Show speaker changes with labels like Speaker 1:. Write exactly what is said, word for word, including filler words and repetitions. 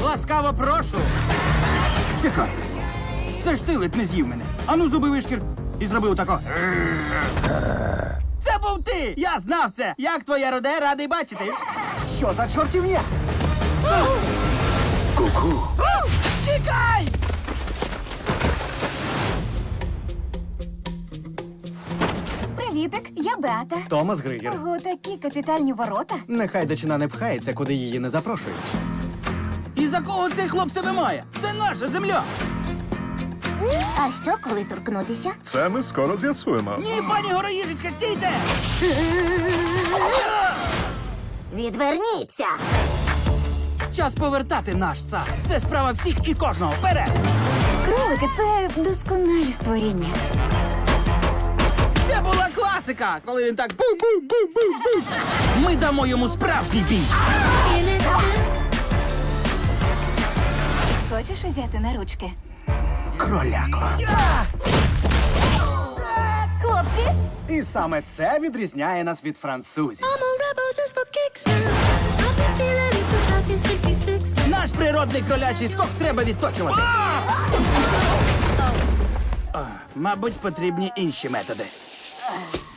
Speaker 1: Ласкаво прошу. Чекай. Це ж ти ледь не з'їв мене. Ану, зуби вишкір. І зробив тако. Це був ти! Я знав це! Як твоя роде, радий бачити.
Speaker 2: Що за чортівня?
Speaker 3: Ку-ку.
Speaker 1: Тікай!
Speaker 4: Привітик, я Беата.
Speaker 2: Томас Григер.
Speaker 4: Ого, такі капітальні ворота.
Speaker 2: Нехай дичина не пхається, куди її не запрошують.
Speaker 1: І за кого цей хлоп себе має? Це наша земля!
Speaker 4: А що, коли торкнутися?
Speaker 3: Це ми скоро з'ясуємо.
Speaker 1: Ні, пані Гороїжицька, стійте!
Speaker 4: Відверніться!
Speaker 1: Час повертати наш сад. Це справа всіх і кожного. Вперед!
Speaker 4: Кролики це досконалі створіння.
Speaker 1: Це була класика, коли він так бум-бум-бум-бум-бум. Ми дамо йому справжній бій.
Speaker 4: Хочеш узяти на ручки?
Speaker 2: Кроляко.
Speaker 4: Хлопці!
Speaker 2: І саме це відрізняє нас від французів.
Speaker 5: I'm a rebel just for kicks now. I've been feeling it since nineteen sixty-six.
Speaker 1: Наш природний кролячий скок треба відточувати. А, мабуть, потрібні інші методи.